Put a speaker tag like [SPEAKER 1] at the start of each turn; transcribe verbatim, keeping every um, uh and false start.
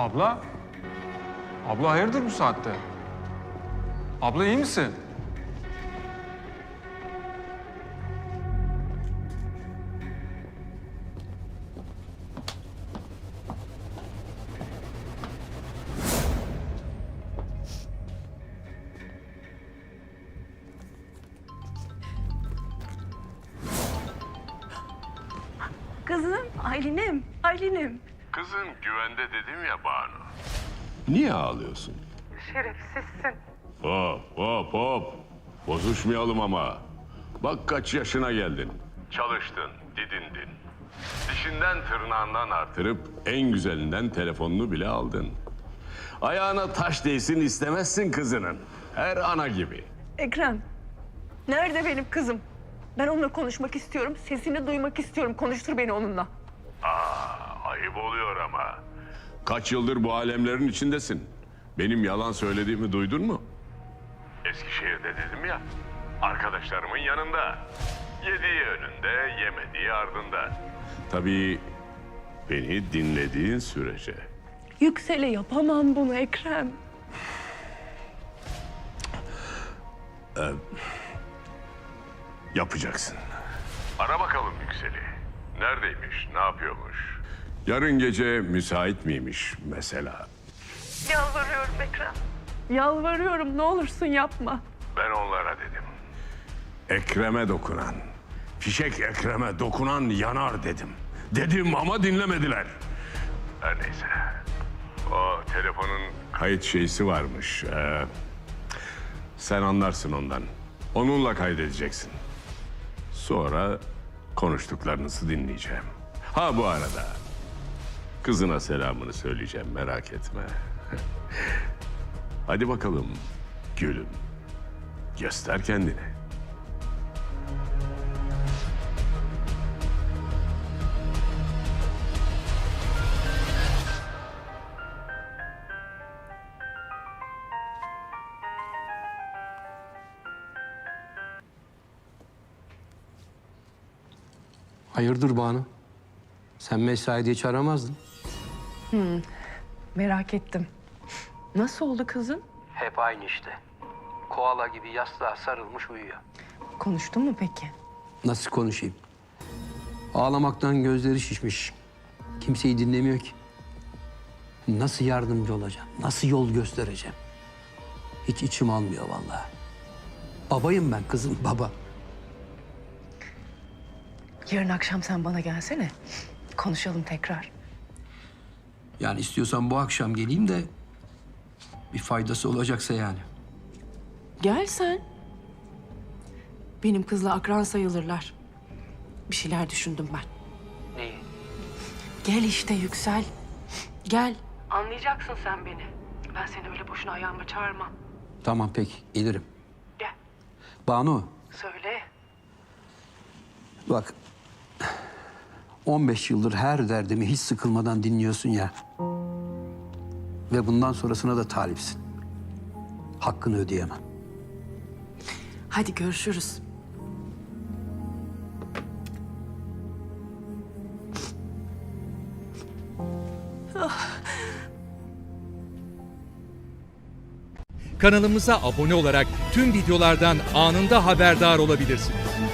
[SPEAKER 1] Abla? Abla hayırdır bu saatte? Abla iyi misin?
[SPEAKER 2] Kızım, Aylin'im, Aylin'im.
[SPEAKER 3] Kızın güvende dedim ya Banu.
[SPEAKER 4] Niye ağlıyorsun?
[SPEAKER 2] Şerefsizsin.
[SPEAKER 4] Hop hop hop. Bozuşmayalım ama. Bak kaç yaşına geldin.
[SPEAKER 3] Çalıştın, didindin.
[SPEAKER 4] Dişinden tırnağından artırıp en güzelinden telefonunu bile aldın. Ayağına taş değsin istemezsin kızının. Her ana gibi.
[SPEAKER 2] Ekrem, nerede benim kızım? Ben onunla konuşmak istiyorum, sesini duymak istiyorum. Konuştur beni onunla.
[SPEAKER 4] Aa, ayıp oluyor ama. Kaç yıldır bu alemlerin içindesin. Benim yalan söylediğimi duydun mu?
[SPEAKER 3] Eskişehir'de dedim ya. Arkadaşlarımın yanında. Yediği önünde, yemediği ardında.
[SPEAKER 4] Tabii beni dinlediğin sürece.
[SPEAKER 2] Yüksel'e yapamam bunu Ekrem.
[SPEAKER 4] Yapacaksın.
[SPEAKER 3] Ara bakalım Yüksel'i. Neredeymiş, ne yapıyormuş?
[SPEAKER 4] Yarın gece müsait miymiş mesela?
[SPEAKER 2] Yalvarıyorum Ekrem. Yalvarıyorum, ne olursun yapma.
[SPEAKER 3] Ben onlara dedim.
[SPEAKER 4] Ekrem'e dokunan, fişek Ekrem'e dokunan yanar dedim. Dedim ama dinlemediler.
[SPEAKER 3] Her neyse. O telefonun
[SPEAKER 4] Kayıt şeysi varmış. Ee, sen anlarsın ondan. Onunla kaydedeceksin. Sonra konuştuklarınızı dinleyeceğim. Ha bu arada kızına selamını söyleyeceğim, merak etme. Hadi bakalım gülüm. Göster kendini.
[SPEAKER 5] Hayırdır Banu? Sen mesaide hiç aramazdın.
[SPEAKER 2] Merak ettim. Nasıl oldu kızım?
[SPEAKER 5] Hep aynı işte. Koala gibi yastığa sarılmış uyuyor.
[SPEAKER 2] Konuştun mu peki?
[SPEAKER 5] Nasıl konuşayım? Ağlamaktan gözleri şişmiş. Kimseyi dinlemiyor ki. Nasıl yardımcı olacağım? Nasıl yol göstereceğim? Hiç içim almıyor vallahi. Babayım ben kızım, baba.
[SPEAKER 2] Yarın akşam sen bana gelsene. Konuşalım tekrar.
[SPEAKER 5] Yani istiyorsan bu akşam geleyim de bir faydası olacaksa yani.
[SPEAKER 6] Gel sen. Benim kızla akran sayılırlar. Bir şeyler düşündüm ben.
[SPEAKER 5] Neyi?
[SPEAKER 6] Gel işte Yüksel. Gel. Anlayacaksın sen beni. Ben seni öyle boşuna ayağıma çağırmam.
[SPEAKER 5] Tamam peki, gelirim.
[SPEAKER 6] Gel.
[SPEAKER 5] Banu,
[SPEAKER 6] Söyle.
[SPEAKER 5] bak, on beş yıldır her derdimi hiç sıkılmadan dinliyorsun ya. Ve bundan sonrasına da talipsin. Hakkını ödeyemem.
[SPEAKER 6] Hadi görüşürüz.
[SPEAKER 7] Kanalımıza abone olarak tüm videolardan anında haberdar olabilirsiniz.